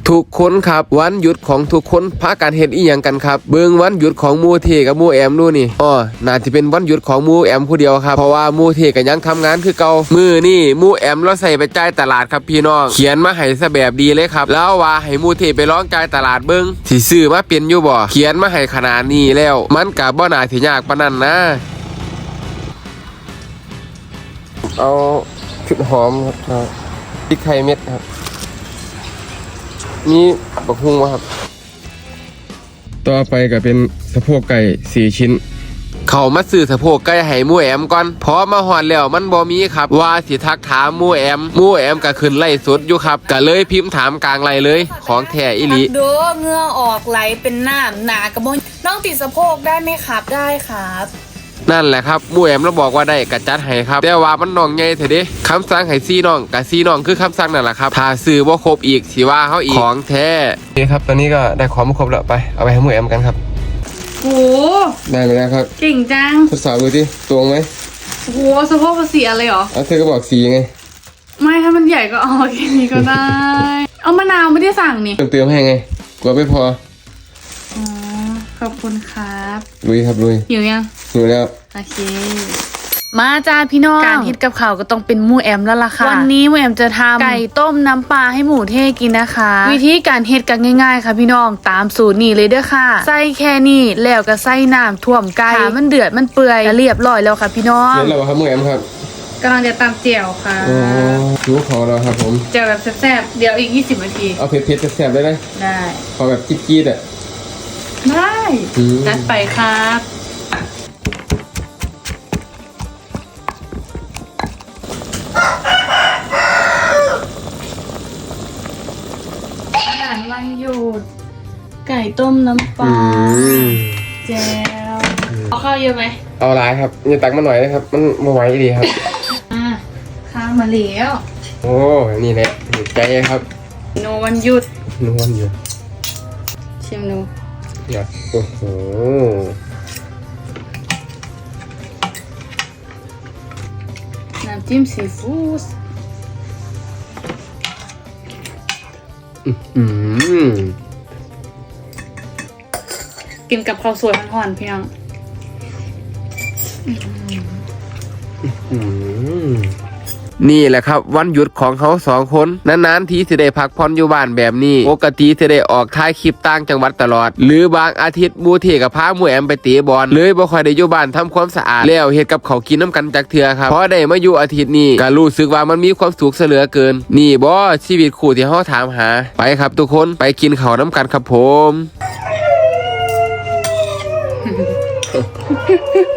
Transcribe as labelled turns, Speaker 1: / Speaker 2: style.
Speaker 1: ทุกคนครับวันหยุดของทุกคนพากันเฮ็ดอีหยังกันครับเบิ่งวันหยุดของมูเทกับมูแอมดูนี่น่าจะเป็นวันหยุดของมูแอมผู้เดียวครับเพราะว่ามูเทก็ยังทำงานคือเก่ามือนี่มูแอมเราใส่ไปจ่ายตลาดครับพี่น้องเขียนมาให้ซะแบบดีเลยครับแล้วว่าให้มูเทไปร้องจ่ายตลาดเบิ่งสิซื้อมาเป็นอยู่บ่เขียนมาให้ขนาดนี้แล้วมันก็บ่น่าสิยากปานนั้นนะเอาพริกหอมครับพริกไทยเม็ดครับมีบักฮุ้งวะครับต่อไปก็เป็นสะโพกไก่4 ชิ้นเขามาซื้อสะโพกไก่ให้มูแอมก่อนพอมาหอดแล้วมันบ่มีครับว่าสิทักถามมูแอมก็ขึ้นไล่สดอยู่ครับก็เลยพิมพ์ถามกลางไล่เลยของแท้อีหลี
Speaker 2: ดูเหงื่อออกไหลเป็นน้ำหนากระบนน้องติดสะโพกได้ไหมครับได้ครับ
Speaker 1: นั่นแหละครับมูแอมเราบอกว่าได้กระจัดให้ครับแต่ว่ามันน้องใหญ่เถอะเด้คำสั่งให้ซี่น้องกับซี่น้องคือคำสั่งนั่นแหละครับถ้าซื้อบ่ครบอีกสิว่าเขาอีกของแท้นี่ครับตอนนี้ก็ได้ของมาครบแล้วไปเอาไปให้มูแอมกันครับ
Speaker 2: โห
Speaker 1: ได้เลยนะครับ
Speaker 2: เก่งจัง
Speaker 1: ทดสอบดูดิตรงไหม
Speaker 2: โหสะโพกภาษีอะไรหรอ
Speaker 1: เธอก็บอกสีไง
Speaker 2: ไม่ถ้ามันใหญ่ก็เอาแค่นี้ก็ได้เอามะนาวไม่ได้สั่งนี่
Speaker 1: เติมให้ไงกลัวไม่พอ
Speaker 2: ขอบคุณครับ
Speaker 1: ลุยครับลุย
Speaker 2: หิวยัง
Speaker 1: หิวแล้ว
Speaker 2: โอเคมาจ้าพี่น้องการฮิตกับข่าวก็ต้องเป็นมูแอมแล้วล่ะค่ะวันนี้มูแอมจะทำไก่ต้มน้ำปลาให้หมูเท่กินนะคะวิธีการเฮ็ดกันง่ายๆค่ะพี่น้องตามสูตรนี้เลยเด้อค่ะใส่แค่นี้แล้วก็ใส่น้ำท่วมไก่มันเดือดมันเปื่อยเรียบร้อยแล้วค่ะพี่น้อง
Speaker 1: เสร็จแล้วครับมูแอมครับ
Speaker 2: กำลังจะตำเจียวค่ะ
Speaker 1: โอ้หิวขอแล้วครับผม
Speaker 2: เจียวแบบแซ่บๆเดี๋ยวอีก20 นาที
Speaker 1: เอาเผ็ดๆแซ่บๆได้ไหม
Speaker 2: ได้
Speaker 1: ขอแบบจี๊ดๆอ่ะ
Speaker 2: ได้จัดไปครับวันหยุดไก่ต้มน้ำปลาแจวเอาข้าวเยอะไหม
Speaker 1: เอาหลายครับอย่าตักมาหน่อยนะครับมันมาไหวดีครับ
Speaker 2: ข้าวมาแล้ว
Speaker 1: โอ้นี่แหละใจครับ
Speaker 2: โนวันหยุด
Speaker 1: นวลอยู่
Speaker 2: ชิมดู
Speaker 1: อยากโอ้โห
Speaker 2: น้ำจิ้มซีฟู้ดกินกับข้าวสวยห่อนๆพี่น้อง
Speaker 1: นี่แหละครับวันหยุดของเขา2 คนนานๆทีจะได้พักผ่อนอยู่บ้านแบบนี้ปกติจะได้ออกถ่ายคลิปต่างจังหวัดตลอดหรือบางอาทิตย์มูเทกับพามูแอมไปเตะบอลเลยบ่ค่อยได้อยู่บ้านทำความสะอาดแล้วเฮ็ดกับเขากินน้ำกันจักเทื่อครับพอได้มาอยู่อาทิตย์นี้ก็รู้สึกว่ามันมีความสุขเสลือเกินนี่บ่ชีวิตคู่ที่เฮาถามหาไปครับทุกคนไปกินข้าวน้ำกันครับผม